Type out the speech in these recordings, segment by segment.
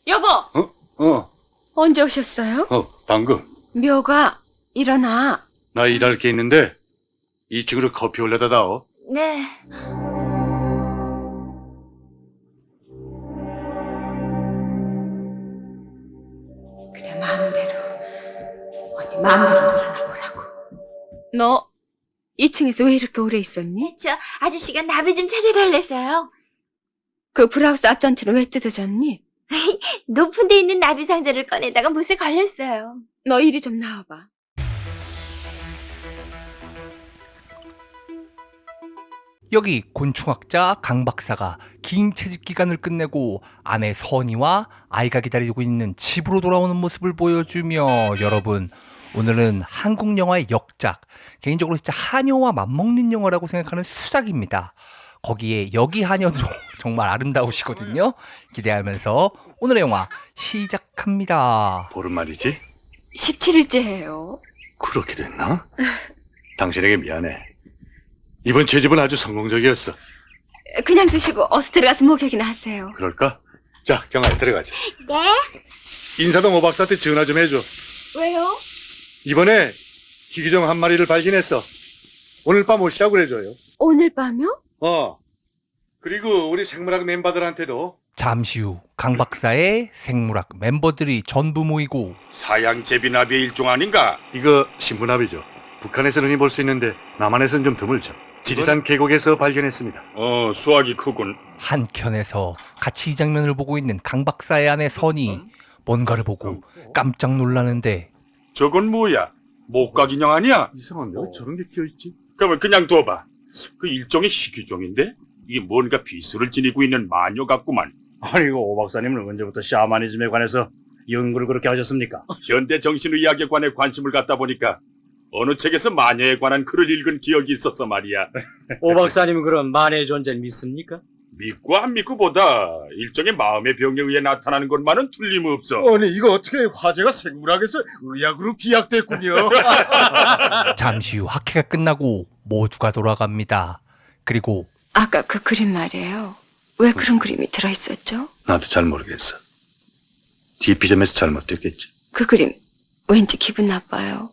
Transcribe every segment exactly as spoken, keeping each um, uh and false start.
여보, 어? 어, 언제 오셨어요? 어, 방금. 묘가, 일어나. 나 일할 게 있는데 이 층으로 커피 올려다 다오. 네. 그래, 마음대로. 어디 마음대로 놀아나 보라고. 너 이 층에서 왜 이렇게 오래 있었니? 저 아저씨가 나비 좀 찾아달래서요. 그 브라우스 앞단추는 왜 뜯어졌니? 높은 데 있는 나비 상자를 꺼내다가 못에 걸렸어요. 너 이리 좀 나와봐. 여기 곤충학자 강 박사가 긴 채집 기간을 끝내고 아내 선희와 아이가 기다리고 있는 집으로 돌아오는 모습을 보여주며, 여러분, 오늘은 한국 영화의 역작, 개인적으로 진짜 한여와 맞먹는 영화라고 생각하는 수작입니다. 거기에 여기 한여도 정말 아름다우시거든요. 기대하면서 오늘의 영화 시작합니다. 보름 말이지? 십칠 일째예요. 그렇게 됐나? 당신에게 미안해. 이번 채집은 아주 성공적이었어. 그냥 두시고 어서 들어가서 목욕이나 하세요. 그럴까? 자, 경아 들어가자. 네? 인사동 오박사한테 전화 좀 해줘. 왜요? 이번에 희귀종 한 마리를 발견했어. 오늘 밤 오시라고 그래줘요. 오늘 밤요? 어. 그리고 우리 생물학 멤버들한테도 잠시 후 강 박사의 생물학 멤버들이 전부 모이고, 사양 제비나비의 일종 아닌가? 이거 신분합이죠. 북한에서는 흔히 볼 수 있는데 남한에서는 좀 드물죠. 지리산 계곡에서 발견했습니다. 어, 수확이 크군. 한켠에서 같이 이 장면을 보고 있는 강 박사의 아내 선이 뭔가를 보고 깜짝 놀라는데, 저건 뭐야? 목각 인형 아니야? 이상한데 왜 저런 게 끼어있지? 그러면 그냥 둬봐. 그 일종의 희귀종인데? 이게 뭔가 비수를 지니고 있는 마녀 같구만. 아니, 이거 오 박사님은 언제부터 샤머니즘에 관해서 연구를 그렇게 하셨습니까? 현대 정신의학에 관해 관심을 갖다 보니까 어느 책에서 마녀에 관한 글을 읽은 기억이 있었어 말이야. 오 박사님은 그럼 만의 존재를 믿습니까? 믿고 안 믿고보다 일종의 마음의 병에 의해 나타나는 것만은 틀림없어. 아니 이거 어떻게 화제가 생물학에서 의학으로 비약됐군요. 잠시 후 학회가 끝나고 모두가 돌아갑니다. 그리고 아까 그 그림 말이에요. 왜 그런 그림이 들어있었죠? 나도 잘 모르겠어. 디피점에서 잘못됐겠지. 그 그림 왠지 기분 나빠요.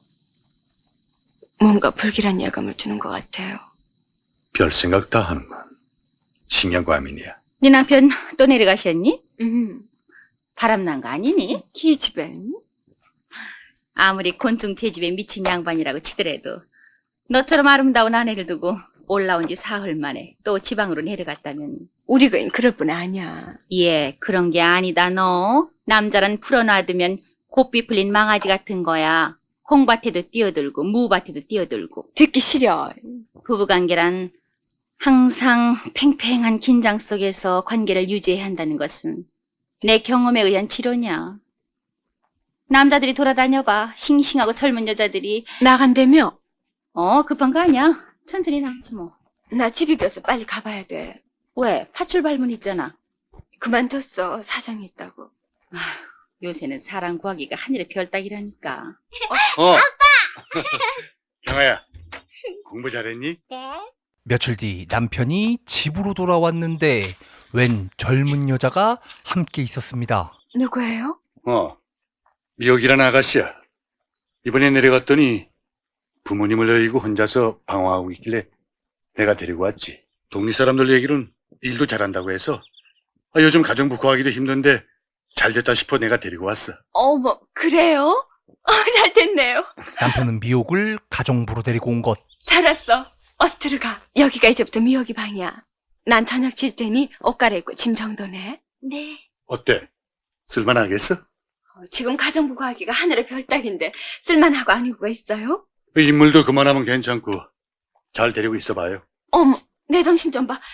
뭔가 불길한 예감을 주는 것 같아요. 별 생각 다 하는군. 신경과민이야. 네 남편 또 내려가셨니? 음, 바람난 거 아니니? 기집애. 아무리 곤충 채집에 미친 양반이라고 치더라도 너처럼 아름다운 아내를 두고 올라온 지 사흘 만에 또 지방으로 내려갔다면. 우리 거인 그럴 뿐 아니야. 예, 그런 게 아니다 너. 남자란 풀어놔두면 곱비 풀린 망아지 같은 거야. 홍밭에도 뛰어들고 무밭에도 뛰어들고. 듣기 싫어. 부부관계란 항상 팽팽한 긴장 속에서 관계를 유지해야 한다는 것은 내 경험에 의한 치료냐. 남자들이 돌아다녀봐. 싱싱하고 젊은 여자들이. 나간다며? 어, 급한 거 아니야. 천천히 나가지 뭐. 나 집이 벼서 빨리 가봐야 돼. 왜? 파출 발문 있잖아. 그만뒀어. 사정이 있다고. 요새는 사람 구하기가 하늘의 별 따기라니까. 어. 아빠! 경아야, 공부 잘했니? 네. 며칠 뒤 남편이 집으로 돌아왔는데 웬 젊은 여자가 함께 있었습니다. 누구예요? 어. 미역이라는 아가씨야. 이번에 내려갔더니 부모님을 여의고 혼자서 방황하고 있길래 내가 데리고 왔지. 동네 사람들 얘기로는 일도 잘한다고 해서 아, 요즘 가정부 구하기도 힘든데 잘됐다 싶어 내가 데리고 왔어. 어머, 그래요? 어, 잘 됐네요. 남편은 미옥을 가정부로 데리고 온 것. 잘 왔어. 어서 들어가. 여기가 이제부터 미역이 방이야. 난 저녁 질 테니 옷 갈아입고 짐 정도네. 네. 어때? 쓸만하겠어? 어, 지금 가정부 구하기가 하늘의 별 따기인데 쓸만하고 아니고가 있어요? 인물도 그만하면 괜찮고 잘 데리고 있어봐요. 어머, 내 정신 좀 봐.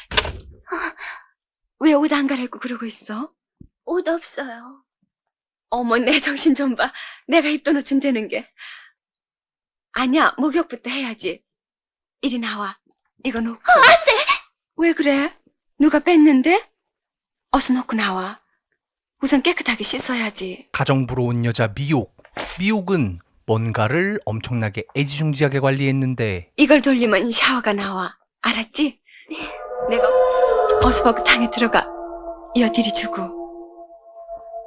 왜 옷 안 갈아입고 그러고 있어? 옷 없어요. 어머, 내 정신 좀 봐. 내가 입던 옷 준다는 게. 아니야, 목욕부터 해야지. 이리 나와. 이거 놓고. 안 돼! 왜 그래? 누가 뺐는데? 어서 놓고 나와. 우선 깨끗하게 씻어야지. 가정부로 온 여자 미옥. 미옥은 뭔가를 엄청나게 애지중지하게 관리했는데 이걸 돌리면 샤워가 나와. 알았지? 내가 어서 벗고 탕에 들어가. 여 뒤리 주고.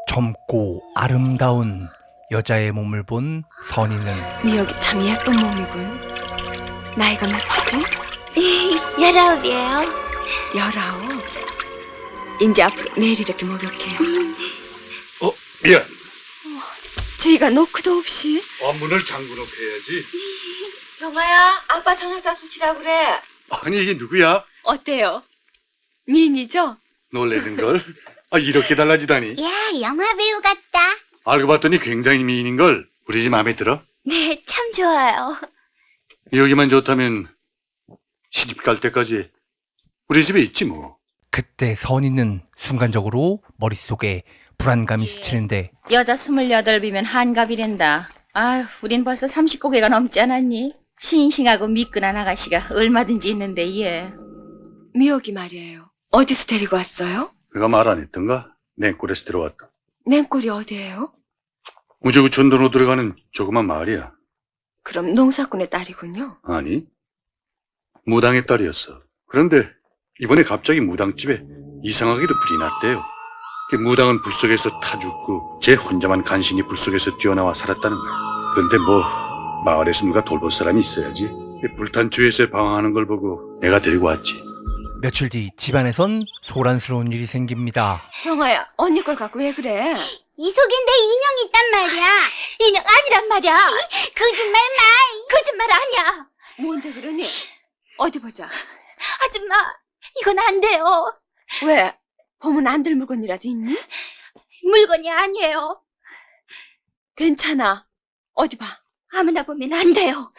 젊고 아름다운 여자의 몸을 본 선희는 미역이 참 예쁜 몸이군. 나이가 몇이지? 열아홉이에요. 열아홉. 이제 앞으로 매일 이렇게 목욕해요. 어, 미안. 주희가 노크도 없이. 아, 문을 잠궈 놓고야지. 영아야, 아빠 저녁 잡수시라고 그래. 아니, 이게 누구야? 어때요? 미인이죠? 놀래는 걸. 아, 이렇게 달라지다니. 야, 영화 배우 같다. 알고 봤더니 굉장히 미인인 걸. 우리 집 마음에 들어? 네, 참 좋아요. 여기만 좋다면 시집 갈 때까지 우리 집에 있지 뭐. 그때 선희는 순간적으로 머릿속에 불안감이 스치는데 여자 스물여덟이면 한갑이란다. 아휴, 우린 벌써 삼십 고개가 넘지 않았니? 싱싱하고 미끈한 아가씨가 얼마든지 있는데 얘. 미역이 말이에요. 어디서 데리고 왔어요? 내가 말 안 했던가? 냉골에서 들어왔다. 냉골이 어디예요? 우주구 촌도로 들어가는 조그만 마을이야. 그럼 농사꾼의 딸이군요. 아니, 무당의 딸이었어. 그런데 이번에 갑자기 무당집에 이상하게도 불이 났대요. 그 무당은 불 속에서 타 죽고 쟤 혼자만 간신히 불 속에서 뛰어나와 살았다는 거야. 그런데 뭐 마을에서 누가 돌볼 사람이 있어야지. 불탄 주에서 방황하는 걸 보고 내가 데리고 왔지. 며칠 뒤 집안에선 소란스러운 일이 생깁니다. 형아야, 언니 걸 갖고 왜 그래? 이 속에 내 인형 있단 말이야. 인형 아니란 말이야. 거짓말 마. 거짓말 아니야. 뭔데 그러니? 어디 보자. 아줌마, 이건 안 돼요. 왜? 보면 안 될 물건이라도 있니? 물건이 아니에요. 괜찮아. 어디 봐. 아무나 보면 안 돼요.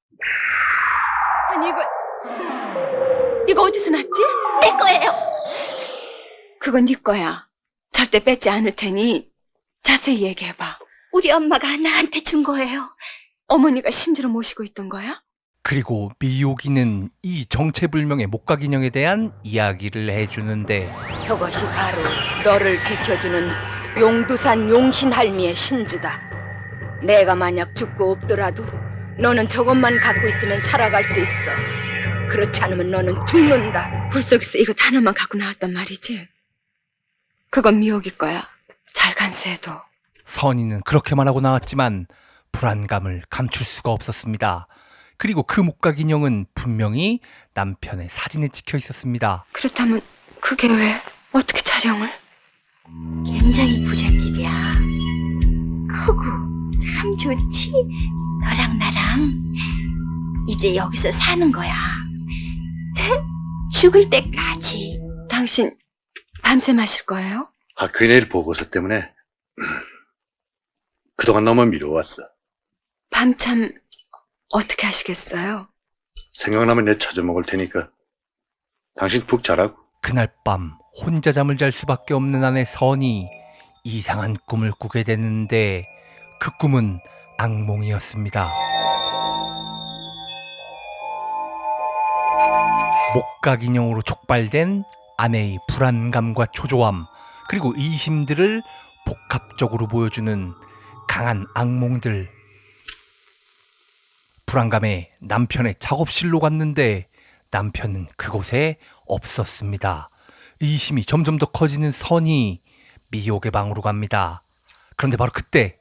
아니 이거 이거 어디서 났지? 내 거예요. 그건 네 거야. 절대 뺏지 않을 테니 자세히 얘기해봐. 우리 엄마가 나한테 준 거예요. 어머니가 심지어 모시고 있던 거야? 그리고 미옥이는 이 정체불명의 목각인형에 대한 이야기를 해주는데 저것이 바로 너를 지켜주는 용두산 용신할미의 신주다. 내가 만약 죽고 없더라도 너는 저것만 갖고 있으면 살아갈 수 있어. 그렇지 않으면 너는 죽는다. 불 속에서 이것 하나만 갖고 나왔단 말이지? 그건 미옥이 거야. 잘 간수해도. 선희는 그렇게만 하고 나왔지만 불안감을 감출 수가 없었습니다. 그리고 그 목각인형은 분명히 남편의 사진에 찍혀 있었습니다. 그렇다면 그게 왜? 어떻게 촬영을? 굉장히 부잣집이야. 크고 참 좋지. 너랑 나랑 이제 여기서 사는 거야. 죽을 때까지. 당신 밤새 마실 거예요? 학교에 내일 보고서 때문에 그동안 너무 미뤄왔어. 밤참 어떻게 하시겠어요? 생각나면 내 찾아먹을 테니까 당신 푹 자라고. 그날 밤 혼자 잠을 잘 수밖에 없는 아내 선이 이상한 꿈을 꾸게 되는데 그 꿈은 악몽이었습니다. 목각인형으로 촉발된 아내의 불안감과 초조함 그리고 의심들을 복합적으로 보여주는 강한 악몽들. 불안감에 남편의 작업실로 갔는데 남편은 그곳에 없었습니다. 의심이 점점 더 커지는 선이 미옥의 방으로 갑니다. 그런데 바로 그때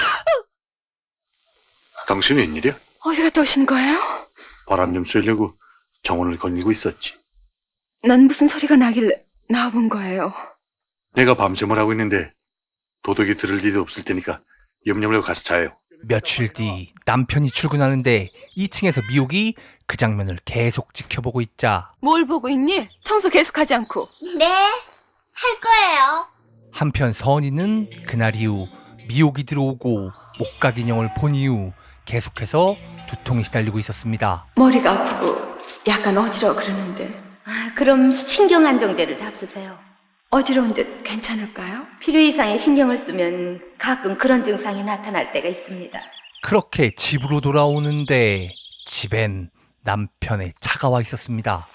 당신 웬일이야? 어디 갔다 오신 거예요? 바람 좀 쐬려고 정원을 거닐고 있었지. 난 무슨 소리가 나길래 나와본 거예요. 내가 밤샘을 하고 있는데 도둑이 들을 일이 없을 테니까 염려물고 가서 자요. 며칠 뒤 남편이 출근하는데 이 층에서 미옥이 그 장면을 계속 지켜보고 있자 뭘 보고 있니? 청소 계속하지 않고. 네, 할 거예요. 한편 선이는 그날 이후 미옥이 들어오고 목각인형을 본 이후 계속해서 두통이 시달리고 있었습니다. 머리가 아프고 약간 어지러워 그러는데. 아, 그럼 신경안정제를 잡수세요. 어지러운데 괜찮을까요? 필요 이상의 신경을 쓰면 가끔 그런 증상이 나타날 때가 있습니다. 그렇게 집으로 돌아오는데 집엔 남편의 차가 와 있었습니다.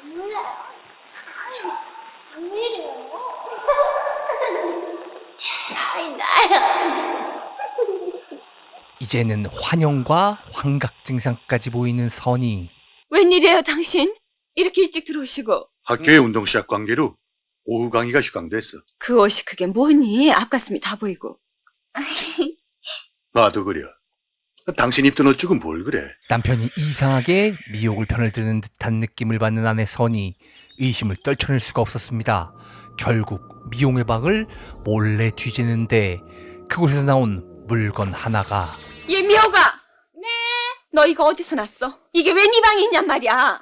아이, 나요. 이제는 환영과 환각 증상까지 보이는 선이. 웬일이에요 당신? 이렇게 일찍 들어오시고. 학교의 운동 시작 관계로 오후 강의가 휴강됐어. 그 옷이 그게 뭐니? 앞가슴이 다 보이고. 나도 그려. 당신 입던 옷 주고 뭘 그래? 남편이 이상하게 미혹을 편을 드는 듯한 느낌을 받는 아내 선이 의심을 떨쳐낼 수가 없었습니다. 결국 미용의 방을 몰래 뒤지는데 그곳에서 나온 물건 하나가 얘 미호가! 네? 너 이거 어디서 났어? 이게 왜 네 방에 있냔 말이야?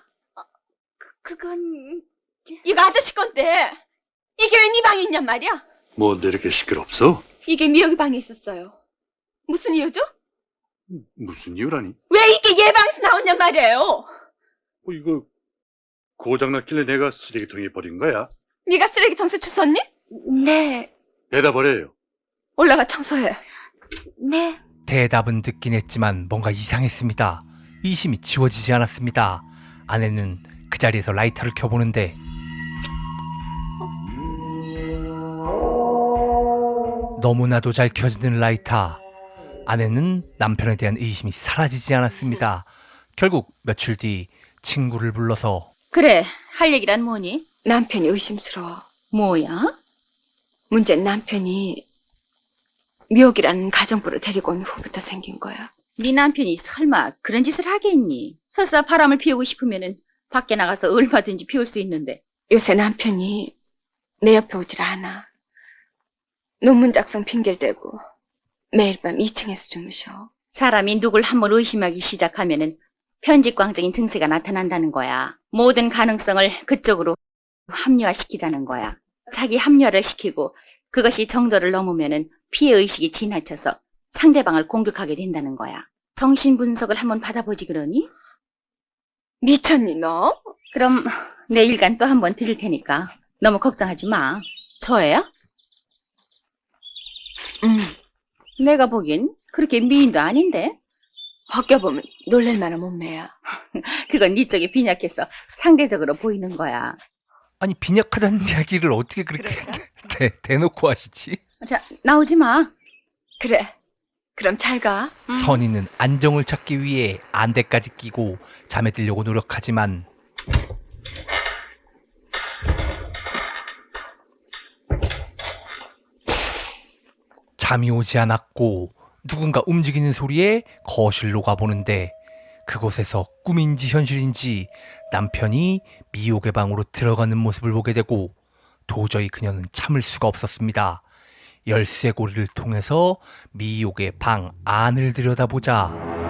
그건 이거 아저씨 건데 이게 왜 네 방에 있냔 말이야? 뭔데 이렇게 시끄럽소? 이게 미호의 방에 있었어요. 무슨 이유죠? 무슨 이유라니? 왜 이게 얘 방에서 나왔냔 말이에요? 어, 이거 고장났길래 내가 쓰레기통에 버린 거야. 네가 쓰레기 청소 주웠니? 네, 대답을 올라가 청소해. 네. 대답은 듣긴 했지만 뭔가 이상했습니다. 의심이 지워지지 않았습니다. 아내는 그 자리에서 라이터를 켜보는데 너무나도 잘 켜지는 라이터. 아내는 남편에 대한 의심이 사라지지 않았습니다. 결국 며칠 뒤 친구를 불러서 그래, 할 얘기란 뭐니? 남편이 의심스러워. 뭐야? 문제는 남편이 미옥이라는 가정부를 데리고 온 후부터 생긴 거야. 네 남편이 설마 그런 짓을 하겠니? 설사 바람을 피우고 싶으면은 밖에 나가서 얼마든지 피울 수 있는데. 요새 남편이 내 옆에 오질 않아. 논문 작성 핑계를 대고 매일 밤 이 층에서 주무셔. 사람이 누굴 한번 의심하기 시작하면은 편집광적인 증세가 나타난다는 거야. 모든 가능성을 그쪽으로 합리화시키자는 거야. 자기 합리화를 시키고 그것이 정도를 넘으면은 피해의식이 지나쳐서 상대방을 공격하게 된다는 거야. 정신분석을 한번 받아보지 그러니? 미쳤니 너? 그럼 내일간 또 한번 들을 테니까 너무 걱정하지 마. 저예요? 응. 내가 보기엔 그렇게 미인도 아닌데? 벗겨보면 놀랄만한 몸매야. 그건 네 쪽이 빈약해서 상대적으로 보이는 거야. 아니 빈약하다는 이야기를 어떻게 그렇게 대, 대놓고 하시지? 자, 나오지 마. 그래. 그럼 잘 가. 선이는 안정을 찾기 위해 안대까지 끼고 잠에 들려고 노력하지만 잠이 오지 않았고 누군가 움직이는 소리에 거실로 가보는데 그곳에서 꿈인지 현실인지 남편이 미옥의 방으로 들어가는 모습을 보게 되고 도저히 그녀는 참을 수가 없었습니다. 열쇠고리를 통해서 미옥의 방 안을 들여다보자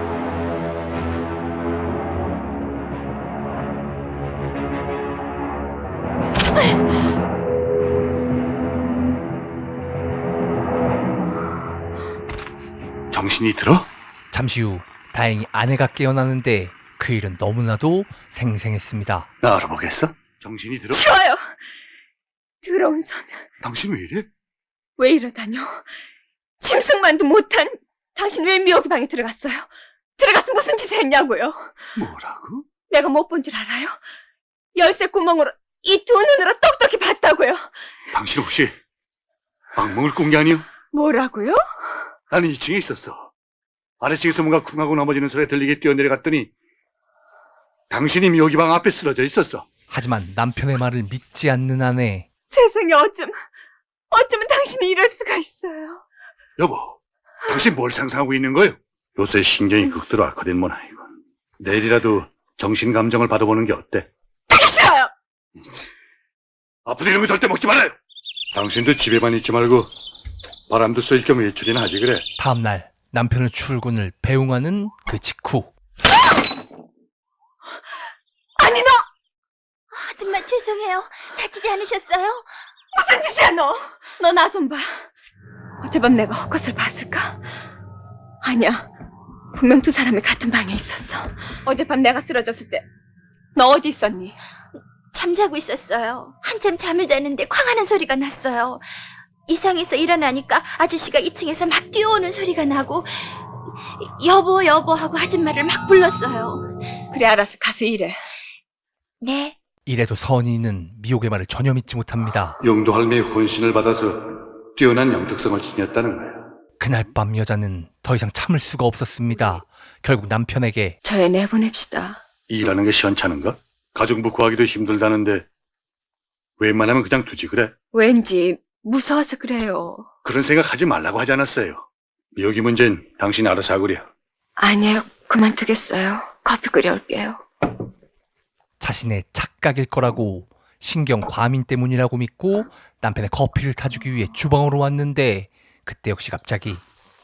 정신이 들어? 잠시 후 다행히 아내가 깨어나는데 그 일은 너무나도 생생했습니다. 나 알아보겠어? 정신이 들어? 치워요. 더러운 손. 당신 왜 이래? 왜 이러다뇨? 심승만도 못한 당신 왜 미옥이 방에 들어갔어요? 들어가서 무슨 짓을 했냐고요? 뭐라고? 내가 못 본 줄 알아요? 열쇠 구멍으로 이 두 눈으로 똑똑히 봤다고요. 당신 혹시 악몽을 꾼 게 아니오? 뭐라고요? 나는 이 층에 있었어. 아래층에서 뭔가 쿵하고 넘어지는 소리가 들리게 뛰어내려갔더니 당신이 미옥이 방 앞에 쓰러져 있었어. 하지만 남편의 말을 믿지 않는 아내. 세상에 어쩜 어쩌면 당신이 이럴 수가 있어요. 여보, 당신 뭘 상상하고 있는 거예요? 요새 신경이 극도로 악화된 모양이군. 내일이라도 정신 감정을 받아보는 게 어때? 되게 싫어요. 아프다 이런 거 절대 먹지 말아요. 당신도 집에만 있지 말고 바람도 쐴 겸 외출이나 하지 그래. 다음날 남편의 출근을 배웅하는 그 직후 아니 너 아줌마 죄송해요. 다치지 않으셨어요? 무슨 짓이야 너? 너 나 좀 봐. 어젯밤 내가 헛것을 봤을까? 아니야. 분명 두 사람이 같은 방에 있었어. 어젯밤 내가 쓰러졌을 때 너 어디 있었니? 잠자고 있었어요. 한참 잠을 자는데 쾅하는 소리가 났어요. 이상해서 일어나니까 아저씨가 이 층에서 막 뛰어오는 소리가 나고 여보 여보 하고 아줌마를 막 불렀어요. 그래 알았어. 가서 일해. 네. 이래도 선이는 미옥의 말을 전혀 믿지 못합니다. 용도 할매의 혼신을 받아서 뛰어난 영특성을 지녔다는 거야. 그날 밤 여자는 더 이상 참을 수가 없었습니다. 결국 남편에게 저 애 내보냅시다. 일하는 게 시원찮은가? 가정부 구하기도 힘들다는데 웬만하면 그냥 두지 그래. 왠지 무서워서 그래요. 그런 생각 하지 말라고 하지 않았어요. 미역이 문제는 당신 알아서 하구려. 아니에요. 그만두겠어요. 커피 끓여올게요. 자신의 착각일 거라고 신경 과민 때문이라고 믿고 남편의 커피를 타주기 위해 주방으로 왔는데 그때 역시 갑자기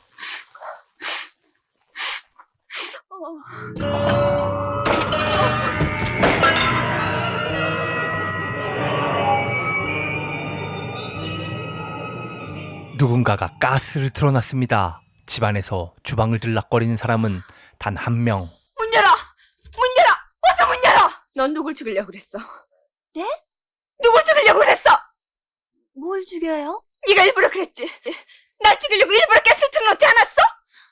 누군가가 가스를 틀어놨습니다. 집안에서 주방을 들락거리는 사람은 단 한 명. 문 열어! 문 열어! 어서 문 열어! 넌 누굴 죽이려고 그랬어? 네? 누굴 죽이려고 그랬어? 뭘 죽여요? 네가 일부러 그랬지. 날 죽이려고 일부러 가스를 틀어놓지 않았어?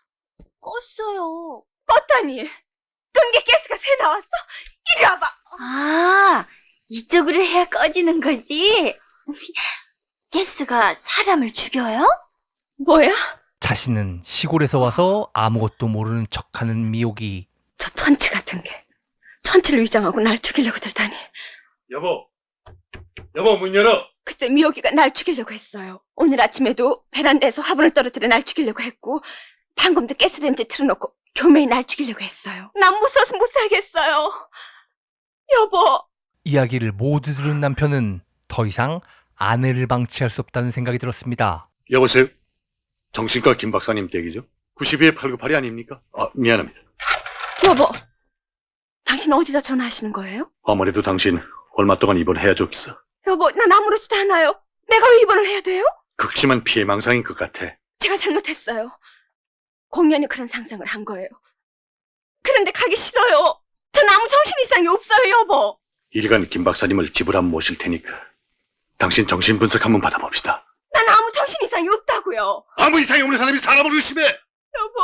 껐어요. 껐다니. 끈기 가스가 새 나왔어? 이리 와봐. 아, 이쪽으로 해야 꺼지는 거지? 가스가 사람을 죽여요? 뭐야? 자신은 시골에서 와서 아무것도 모르는 척하는 미옥이 저 천치 같은 게 천치를 위장하고 날 죽이려고 들다니. 여보, 여보 문 열어. 글쎄 미옥이가 날 죽이려고 했어요. 오늘 아침에도 베란다에서 화분을 떨어뜨려 날 죽이려고 했고 방금도 가스레인지 틀어놓고 교매에 날 죽이려고 했어요. 난 무서워서 못 살겠어요. 여보. 이야기를 모두 들은 남편은 더 이상 아내를 방치할 수 없다는 생각이 들었습니다. 여보세요? 정신과 김 박사님 댁이죠? 구십이에 팔구팔이 아닙니까? 아, 미안합니다. 여보. 당신 어디다 전화하시는 거예요? 아무래도 당신 얼마 동안 입원해야 좋겠어. 여보, 난 아무렇지도 않아요. 내가 왜 입원을 해야 돼요? 극심한 피해 망상인 것 같아. 제가 잘못했어요. 공연히 그런 상상을 한 거예요. 그런데 가기 싫어요. 전 아무 정신 이상이 없어요, 여보. 일간 김 박사님을 집으로 한번 모실 테니까 당신 정신 분석 한번 받아봅시다. 난 아무 정신 이상이 없다고요. 아무 이상이 없는 사람이 사람을 의심해! 여보.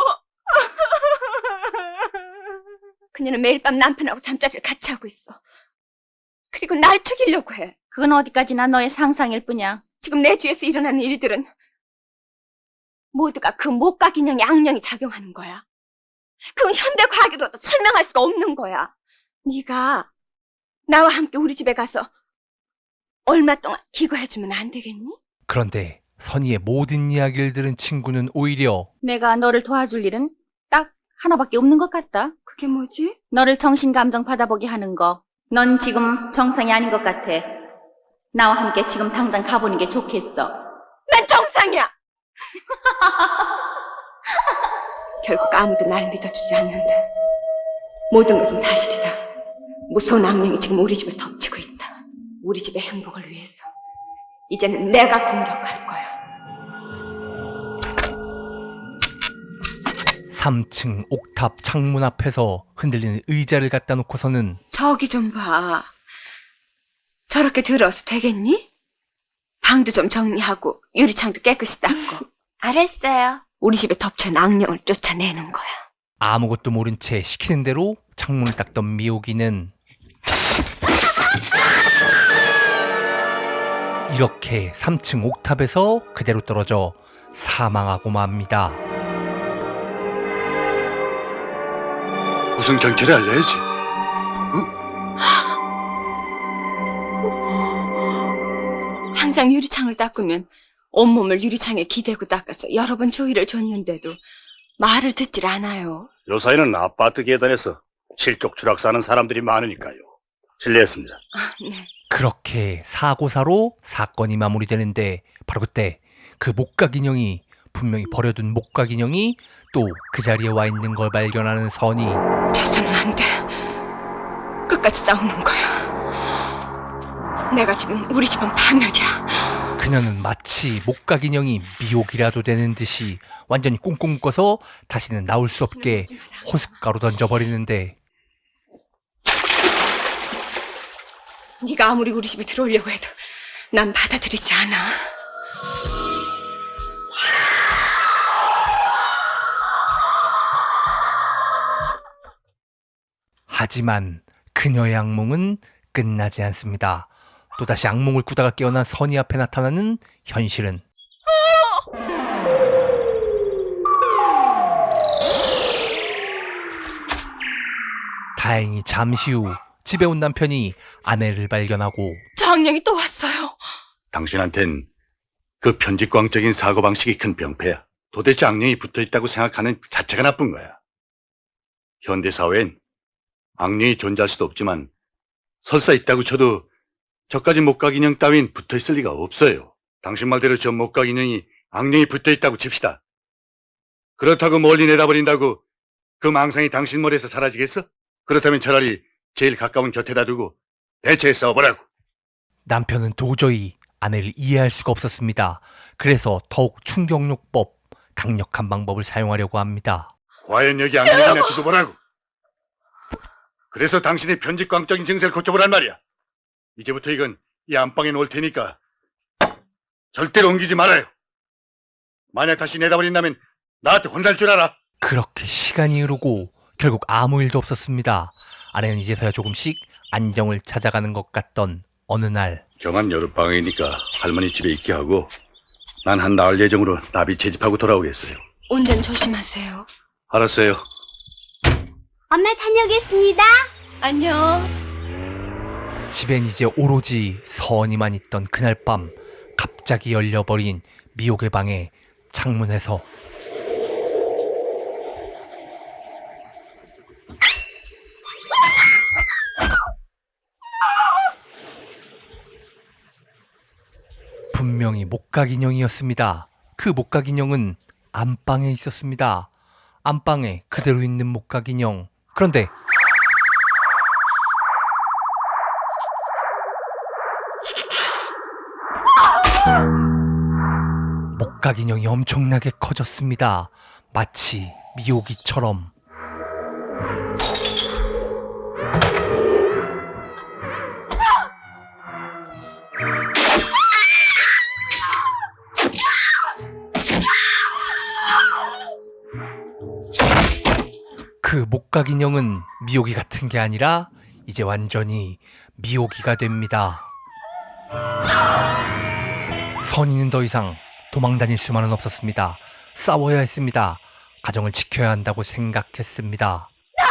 그녀는 매일 밤 남편하고 잠자리를 같이 하고 있어. 그리고 날 죽이려고 해. 그건 어디까지나 너의 상상일 뿐이야. 지금 내 주위에서 일어나는 일들은 모두가 그 목각 인형의 악령이 작용하는 거야. 그건 현대 과학으로도 설명할 수가 없는 거야. 네가 나와 함께 우리 집에 가서 얼마 동안 기거해주면 안 되겠니? 그런데 선희의 모든 이야기를 들은 친구는 오히려 내가 너를 도와줄 일은 딱 하나밖에 없는 것 같다. 그게 뭐지? 너를 정신감정 받아보게 하는 거. 넌 지금 정상이 아닌 것 같아. 나와 함께 지금 당장 가보는 게 좋겠어. 난 정상이야! 결국 아무도 날 믿어주지 않는다. 모든 것은 사실이다. 무서운 악령이 지금 우리 집을 덮치고 있다. 우리 집의 행복을 위해서. 이제는 내가 공격할 거야. 삼 층 옥탑 창문 앞에서 흔들리는 의자를 갖다 놓고서는 저기 좀 봐. 저렇게 들어서 되겠니? 방도 좀 정리하고 유리창도 깨끗이 닦고 알았어요. 우리 집에 덮쳐온 악령을 쫓아내는 거야. 아무것도 모른 채 시키는 대로 창문을 닦던 미옥이는 이렇게 삼 층 옥탑에서 그대로 떨어져 사망하고 맙니다. 우선 경찰에 알려야지. 항상 유리창을 닦으면 온몸을 유리창에 기대고 닦아서 여러 번 주의를 줬는데도 말을 듣질 않아요. 요사이는 아파트 계단에서 실족 추락사는 사람들이 많으니까요. 실례했습니다. 아, 네. 그렇게 사고사로 사건이 마무리되는데 바로 그때 그 목각 인형이 분명히 버려둔 목각 인형이 또 그 자리에 와 있는 걸 발견하는 선이 져서는 안 돼. 끝까지 싸우는 거야. 내가 지금 우리 집은 파멸이야. 그녀는 마치 목각 인형이 미혹이라도 되는 듯이 완전히 꽁꽁 묶어서 다시는 나올 수 없게 호숫가로 던져버리는데 네가 아무리 우리 집에 들어오려고 해도 난 받아들이지 않아. 하지만 그녀의 악몽은 끝나지 않습니다. 또다시 악몽을 꾸다가 깨어난 선희 앞에 나타나는 현실은 다행히 잠시 후 집에 온 남편이 아내를 발견하고 저 악령이 또 왔어요. 당신한텐 그 편집광적인 사고방식이 큰 병폐야. 도대체 악령이 붙어있다고 생각하는 자체가 나쁜 거야. 현대사회엔 악령이 존재할 수도 없지만 설사 있다고 쳐도 저까지 목각인형 따윈 붙어있을 리가 없어요. 당신 말대로 저 목각인형이 악령이 붙어있다고 칩시다. 그렇다고 멀리 내다버린다고 그 망상이 당신 머리에서 사라지겠어? 그렇다면 차라리 제일 가까운 곁에다 두고 대체해 싸워보라고. 남편은 도저히 아내를 이해할 수가 없었습니다. 그래서 더욱 충격요법, 강력한 방법을 사용하려고 합니다. 과연 여기 악령이나 두고 보라고. 그래서 당신의 편집광적인 증세를 고쳐보란 말이야. 이제부터 이건 이 안방에 놓을 테니까 절대로 옮기지 말아요. 만약 다시 내다버린다면 나한테 혼날 줄 알아. 그렇게 시간이 흐르고 결국 아무 일도 없었습니다. 아내는 이제서야 조금씩 안정을 찾아가는 것 같던 어느 날 경한 여름방학이니까 할머니 집에 있게 하고 난 한 나흘 예정으로 나비 채집하고 돌아오겠어요. 운전 조심하세요. 알았어요. 엄마 다녀오겠습니다. 안녕. 집엔 이제 오로지 선이만 있던 그날 밤 갑자기 열려버린 미옥의 방의 창문에서 분명히 목각인형이었습니다. 그 목각인형은 안방에 있었습니다. 안방에 그대로 있는 목각인형. 그런데 목각인형이 엄청나게 커졌습니다. 마치 미오기처럼. 그 목각인형은 미오기 같은 게 아니라 이제 완전히 미오기가 됩니다. 선이는 더 이상 도망다닐 수만은 없었습니다. 싸워야 했습니다. 가정을 지켜야 한다고 생각했습니다.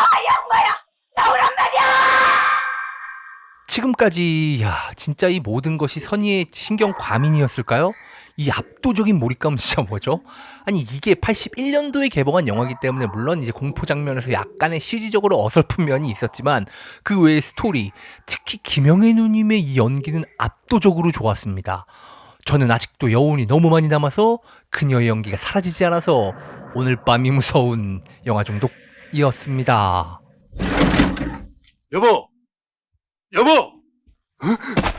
지금까지 야 진짜 이 모든 것이 선의의 신경 과민이었을까요? 이 압도적인 몰입감은 진짜 뭐죠? 아니 이게 팔십일 년도에 개봉한 영화이기 때문에 물론 이제 공포 장면에서 약간의 씨지적으로 어설픈 면이 있었지만 그 외의 스토리, 특히 김영애 누님의 이 연기는 압도적으로 좋았습니다. 저는 아직도 여운이 너무 많이 남아서 그녀의 연기가 사라지지 않아서 오늘 밤이 무서운 영화 중독이었습니다. 여보! 여보! 어?